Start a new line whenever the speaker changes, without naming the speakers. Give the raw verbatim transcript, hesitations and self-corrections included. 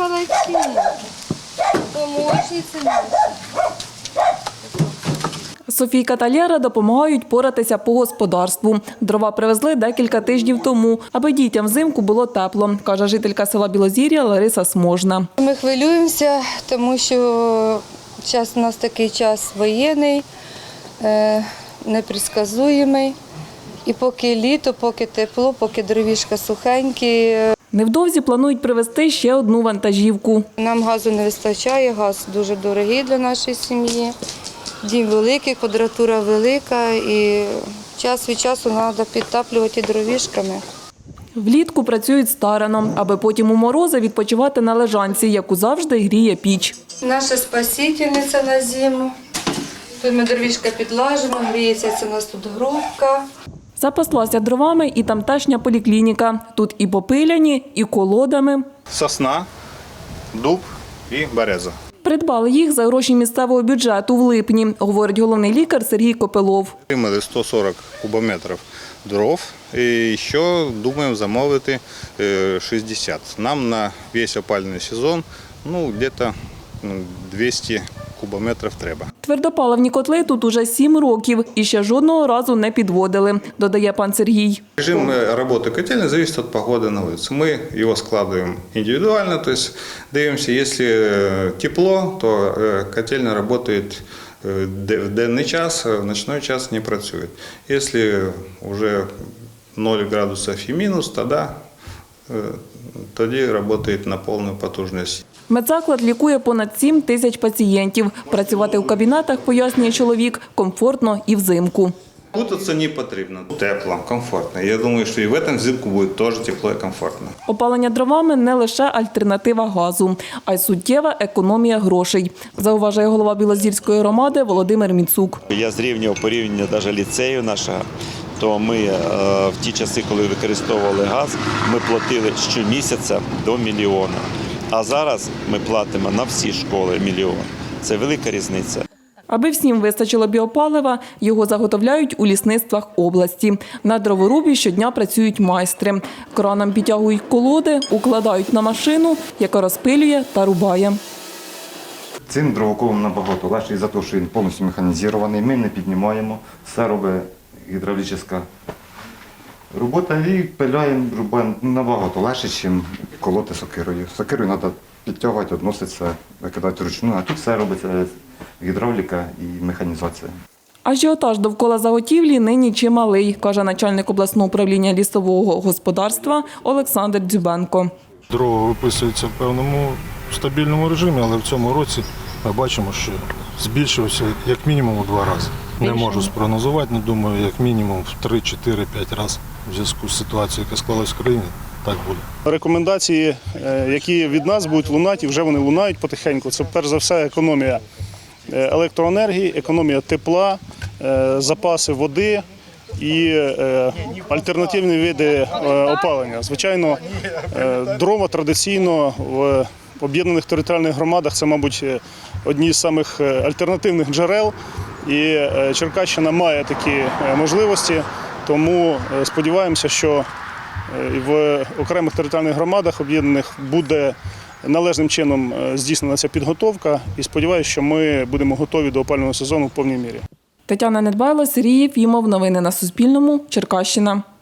молодці. Помощниці наші.
Софійка та Лєра допомагають поратися по господарству. Дрова привезли декілька тижнів тому, аби дітям взимку було тепло, каже жителька села Білозір'я Лариса Сможна.
Ми хвилюємося, тому що час у нас такий час воєнний, непредсказуємий. І поки літо, поки тепло, поки дровішка сухенькі.
Невдовзі планують привезти ще одну вантажівку.
Нам газу не вистачає, газ дуже дорогий для нашої сім'ї. Дім великий, квадратура велика і час від часу треба підтаплювати дровішками.
Влітку працюють старано, аби потім у морози відпочивати на лежанці, яку завжди гріє піч.
Наша спасительниця на зиму. Тут ми дровішка підлажимо, гріється, це у нас тут грубка.
Запаслася дровами і тамтешня поліклініка. Тут і попиляні, і колодами.
Сосна, дуб і береза.
Придбали їх за гроші місцевого бюджету в липні, говорить головний лікар Сергій Копилов.
Отримали сто сорок кубометрів дров і ще думаємо замовити шістдесят. Нам на весь опалювальний сезон ну, десь двісті кубометрів треба.
Твердопаливні котли тут уже сім років і ще жодного разу не підводили, додає пан Сергій.
Режим роботи котельні залежить від погоди на вулиці. Ми його складаємо індивідуально, тобто дивимося, якщо тепло, то котельня працює в денний час, в ночний час не працює. Якщо вже нуль градусів і мінус, тоді, тоді працює на повну потужність.
Медзаклад лікує понад сім тисяч пацієнтів. Працювати у кабінетах, пояснює чоловік, комфортно і взимку.
Кутатися не потрібно. Тепло, комфортно. Я думаю, що і в цьому взимку буде теж тепло і комфортно.
Опалення дровами – не лише альтернатива газу, а й суттєва економія грошей, зауважує голова Білозірської громади Володимир Міцук.
Я зрівнював порівняння навіть ліцею нашого. То ми в ті часи, коли використовували газ, ми платили щомісяця до мільйона. А зараз ми платимо на всі школи мільйон. Це велика різниця.
Аби всім вистачило біопалива, його заготовляють у лісництвах області. На дроворубі щодня працюють майстри. Краном підтягують колоди, укладають на машину, яка розпилює та рубає.
Цим дровоколом набагато легше, за те, що він повністю механізований. Ми не піднімаємо, все робить гідравлічна робота і пиляємо, рубаємо набагато легше, ніж колоти сокирою. Сокирою треба підтягувати, відноситися, викидати вручну, а тут все робиться гідравліка і механізація.
Ажіотаж довкола заготівлі нині чималий, каже начальник обласного управління лісового господарства Олександр Дзюбенко.
Дрова виписуються в певному стабільному режимі, але в цьому році ми бачимо, що збільшився як мінімум у два рази. Не можу спрогнозувати, але думаю, як мінімум в три, чотири, п'ять разів в зв'язку з ситуацією, яка склалась в країні, так буде.
Рекомендації, які від нас будуть лунати, і вже вони лунають потихеньку, це перш за все економія електроенергії, економія тепла, запаси води і альтернативні види опалення. Звичайно, дрова традиційно в об'єднаних територіальних громадах – це, мабуть, одні з самих альтернативних джерел. І Черкащина має такі можливості, тому сподіваємося, що в окремих територіальних громадах об'єднаних буде належним чином здійснена ця підготовка. І сподіваюся, що ми будемо готові до опалювального сезону в повній мірі.
Тетяна Недбайло, Сергій Єфімов. Новини на Суспільному. Черкащина.